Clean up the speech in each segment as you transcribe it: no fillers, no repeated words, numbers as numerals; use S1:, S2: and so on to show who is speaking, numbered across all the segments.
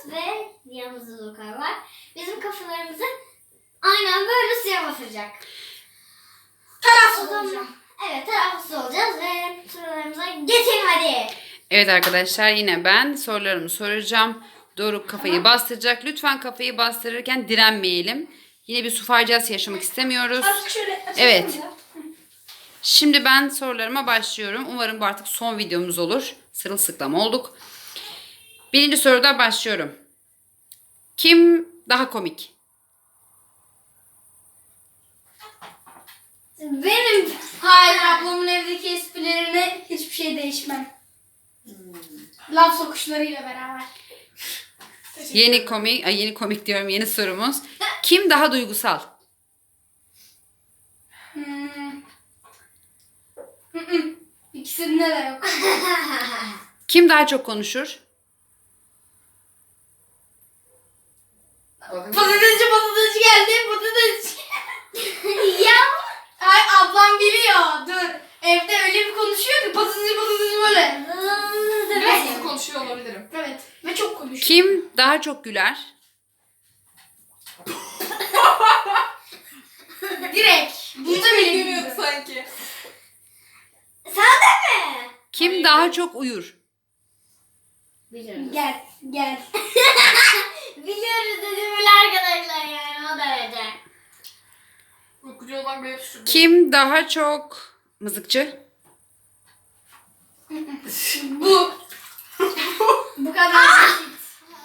S1: ve yanımızda Dokar var. Bizim kafalarımızı aynen böyle suya batıracak.
S2: Tarafsız olacağım.
S1: Evet, tarafsız olacağız ve sorularımıza geçelim hadi.
S3: Evet arkadaşlar, yine ben sorularımı soracağım. Doruk kafayı bastıracak. Lütfen kafayı bastırırken direnmeyelim. Yine bir su faciası yaşamak istemiyoruz.
S2: Azıcık şöyle açalım
S3: Evet.
S2: da.
S3: Şimdi ben sorularıma başlıyorum. Umarım bu artık son videomuz olur. Sırılsıklam olduk. Birinci soruda başlıyorum. Kim daha komik?
S1: Benim
S2: Hayır, ablamın evdeki esprilerine hiçbir şey değişmem. Laf sokuşlarıyla beraber.
S3: Yeni komik diyorum, yeni sorumuz. Kim daha duygusal?
S2: İkisinde de yok.
S3: Kim daha çok konuşur?
S2: Patatesçi geldi. Patates.
S1: ya
S2: Ay, ablam biliyor. Dur. Evde öyle bir konuşuyor ki patatesçi böyle.
S4: Biraz hızlı konuşuyor olabilirim.
S2: Evet. Ve çok konuşuyor.
S3: Kim daha çok güler?
S2: Direkt. Bunda bile
S4: Görüyordu
S2: biliyor.
S4: sanki.
S1: sen de mi?
S3: Kim daha çok uyur?
S1: Biliyoruz.
S2: Gel. Gel.
S1: Biliyoruz dedim bile arkadaşlar, yani o derece.
S4: Uykucu olmak beni düşürdü.
S3: Kim daha çok mızıkçı?
S2: Bu. Bu kadar basit.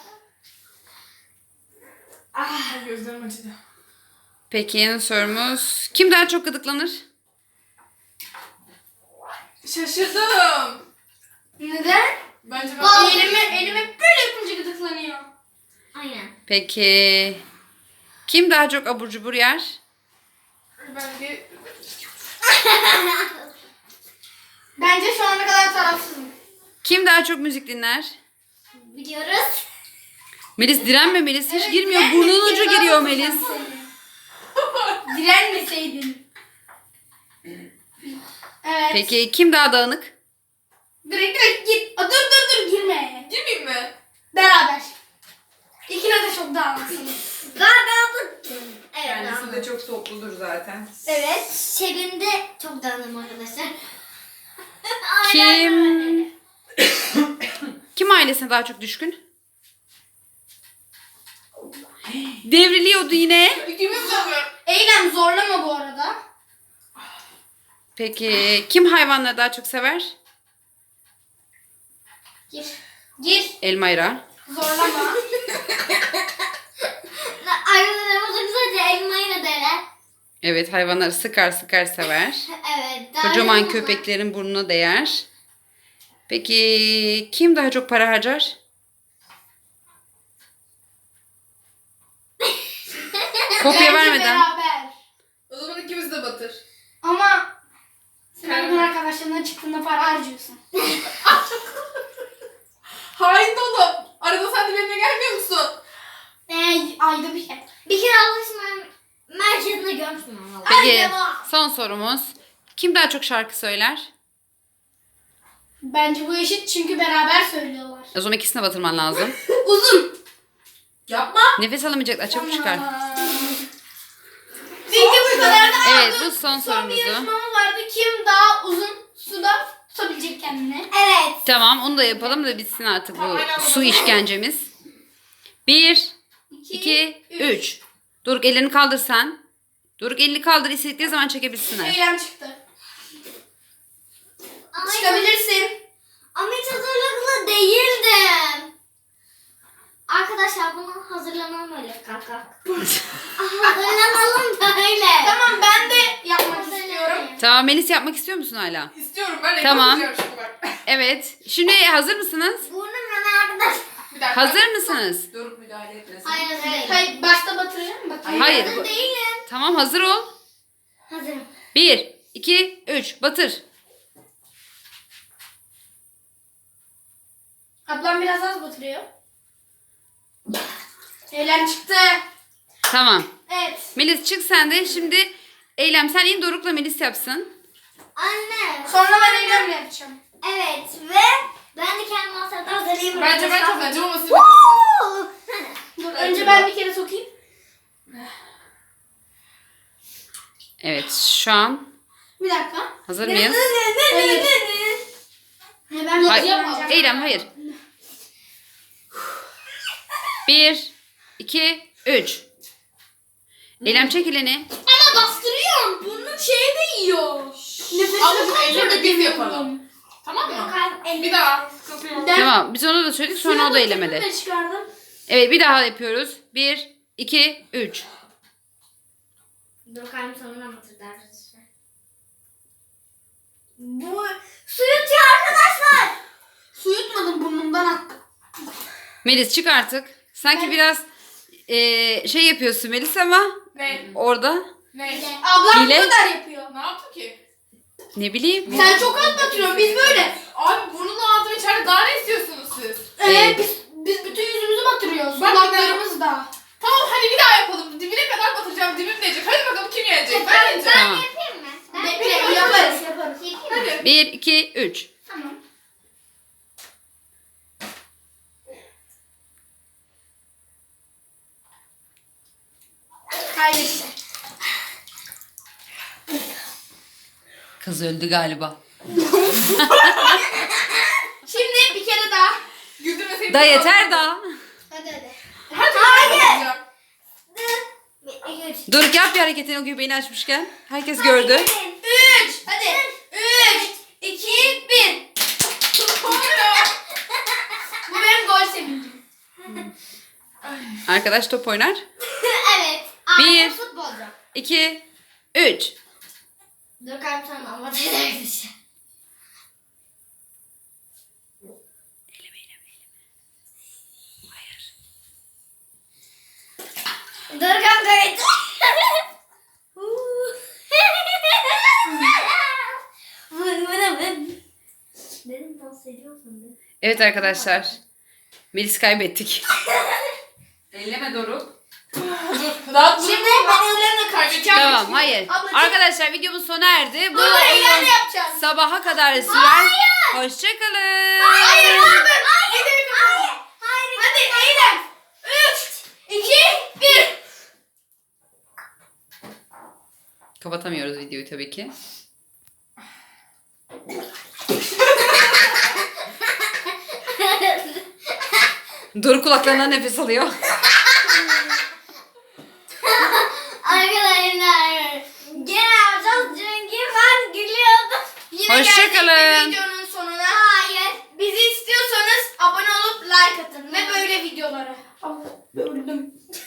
S4: Ay, gözlerim acıdı.
S3: Peki, yeni sorumuz. Kim daha çok gıdıklanır?
S4: Şaşırdım.
S2: Neden?
S4: Bence ben...
S2: Elime böyle yapınca gıdıklanıyor.
S1: Aynen.
S3: Peki, kim daha çok abur cubur yer?
S4: Bence...
S2: Bence şu ana kadar tarafsızım.
S3: Kim daha çok müzik dinler?
S1: Biliyoruz.
S3: Melis direnme, Melis hiç
S2: Evet,
S3: girmiyor.
S2: direnme,
S3: Burnunun ucu
S2: ceza
S3: giriyor
S2: alacağım
S3: Melis.
S2: seni. Direnmeseydin. Evet.
S3: Peki kim daha dağınık?
S2: Direkt git. Dur girme.
S4: Girmeyeyim mi?
S2: Beraber. İkine de çok dağılmışsınız.
S1: Galiba bu. Evet.
S4: Kendisi
S1: tamam.
S4: de çok topludur zaten.
S1: Evet. Şebim de çok dağınım arkadaşlar.
S3: Kim kim ailesine daha çok düşkün? Devriliyordu yine.
S4: İkimiz de mi?
S2: Eylem zorlama bu arada.
S3: Peki kim hayvanları daha çok sever?
S2: Gir.
S3: Elmayra.
S2: Zorlama.
S1: Arkadaşlar bu sadece elmayı da dener.
S3: Evet, hayvanları sıkar sever.
S1: Evet.
S3: Kocaman
S1: dağınım
S3: köpeklerin burnuna değer. Peki kim daha çok para harcar? Kopya
S2: Bence
S3: vermeden.
S2: beraber.
S4: O zaman ikimiz de batır.
S2: Ama sen benim arkadaşlarına çıktığında para harcıyorsun.
S4: Hain dolu. Arada sen de benimle gelmiyor musun?
S2: Ayda bir şey.
S1: Bir kere alışma merkezinde görmüştüm ama.
S3: Peki son sorumuz. Kim daha çok şarkı söyler?
S2: Bence bu eşit çünkü beraber söylüyorlar.
S3: O zaman ikisine batırman lazım.
S2: Uzun.
S4: Yapma.
S3: Nefes alamayacaklar, çabuk çıkar.
S2: Çünkü bu kadar da
S3: Evet, bu son
S2: Son bir
S3: sorumuzu.
S2: yarışmamız vardı. Kim daha uzun suda tutabilecek kendini?
S1: Evet.
S3: Tamam, onu da yapalım da bitsin artık bu
S4: Tamam, aynen.
S3: su işkencemiz. 1, 2, 3. Doruk ellerini kaldır sen. Doruk elini kaldır, istedikleri zaman çekebilsinler.
S2: Eylem çıktı.
S1: Ama
S2: Çıkabilirsin.
S1: Ama hiç hazırlıklı değildim. Arkadaşlar bunu hazırlanalım öyle kalk. Hazırlanalım böyle.
S2: Tamam, ben de yapmak istiyorum.
S3: Tamam, Melis yapmak istiyor musun hala?
S4: İstiyorum ben.
S3: Tamam.
S4: Yapacağım şimdi bak.
S3: Evet. Şimdi hazır mısınız?
S1: Burnum hemen arkadaş.
S4: Bir dakika.
S3: Hazır mısınız?
S4: Doruk müdahale etmesin.
S1: Hayır hazır değilim.
S2: Hayır, başta batıracağım mı?
S3: Hayır.
S1: Hazır değilim.
S3: Tamam, hazır ol.
S1: Hazırım.
S3: 1, 2, 3. Batır.
S2: Ablam biraz az batırıyor. Eylem çıktı.
S3: Tamam.
S2: Evet.
S3: Melis çık sen de. Şimdi Eylem sen in, Doruk'la Melis yapsın.
S1: Anne.
S2: Sonra ben Eylem'le yapacağım.
S1: Evet ve ben de kendimi hazırlayayım.
S4: Bence ben kazanacağım ama siz
S1: Woo!
S2: Önce ben bir kere sokayım.
S3: Evet şu an
S2: Bir dakika.
S3: hazır mıyız?
S2: Hayır. Ben
S3: Hayır.
S2: yapmayacağım.
S3: Eylem hayır. 1, 2, 3. Eylem çek elini.
S2: Ama bastırıyorum. Bunun şeyi de yiyor. Nefesini
S4: Ablacığım
S2: kontrol
S4: elle de biz
S2: edemiyorum.
S4: yapalım. Tamam mı?
S1: Dorukhan
S4: Bir daha. Sıkıntı yok.
S3: Tamam biz onu da söyledik sonra o da eylemedi.
S2: Ben çıkardım.
S3: Evet bir daha yapıyoruz. 1, 2, 3.
S1: Dorukhan sonuna mı tırdı arkadaşlar? Bu su yutuyor arkadaşlar.
S2: Su yutmadım, burnumdan attım.
S3: Melis çık artık. Sanki biraz şey yapıyorsun Melis ama
S4: Ne?
S3: orada
S4: Ne?
S2: Ablam
S3: Hile.
S2: bu kadar yapıyor.
S4: Ne yaptı ki?
S3: ne bileyim.
S2: Sen çok az batırıyorsun. Biz böyle.
S4: Abi burnunu ağzını içeride daha ne istiyorsunuz siz?
S3: Evet.
S2: Biz bütün yüzümüzü batırıyoruz.
S4: Bak
S2: Kulaklarımız da.
S4: Tamam hadi bir daha yapalım. Dibine kadar batıracağım. Dibim diyecek. Hadi bakalım kim yenecek? Ben yeneceğim.
S3: Tamam.
S1: Yapayım mı? Ben
S2: Bekle, yaparız.
S1: yapayım mı?
S4: Hadi.
S3: 1, 2, 3.
S1: Tamam.
S2: Kaybetti.
S3: Kız öldü galiba.
S2: Şimdi bir kere daha.
S4: Güldürmeseydin.
S3: Da yeter daha.
S2: Hadi.
S4: Hadi. Hayır.
S1: Bir, iki, üç.
S3: Doruk yap bir hareketini o göbeğini açmışken. Herkes gördü.
S2: 3. Hadi. 3, 2, 1. Bu benim gol sevincim.
S3: Arkadaş top oynar.
S1: Evet.
S3: Bir.
S1: Ağzı futbolcu.
S3: 2, 3.
S1: Dorukhan sana anlatacak bir şey. Dorukhan kayıt. Dedim dans ediyorsun değil mi?
S3: Evet arkadaşlar. Melis kaybettik. Elleme Doruk.
S4: Dur. Rahat dur.
S2: Şimdi ben ellerimle kaçacağım.
S3: Tamam hayır.
S2: Ablacığım.
S3: Arkadaşlar videomuz sona erdi. Bu
S2: Bunu ellerle
S3: oyun
S2: yapacağız.
S3: sabaha kadar sürer. Hoşçakalın.
S2: Hayır. Hayır. Hadi eylem. 3, 2, 1.
S3: Kapatamıyoruz videoyu tabii ki. Doruk kulaklarından nefes alıyor.
S1: Arkadaşlar gene yapacağız çünkü ben gülüyordum.
S2: Yine
S3: Hoşçakalın.
S2: geldik bir videonun sonuna.
S1: Hayır.
S2: Bizi istiyorsanız abone olup like atın ve böyle videolara. Öldüm.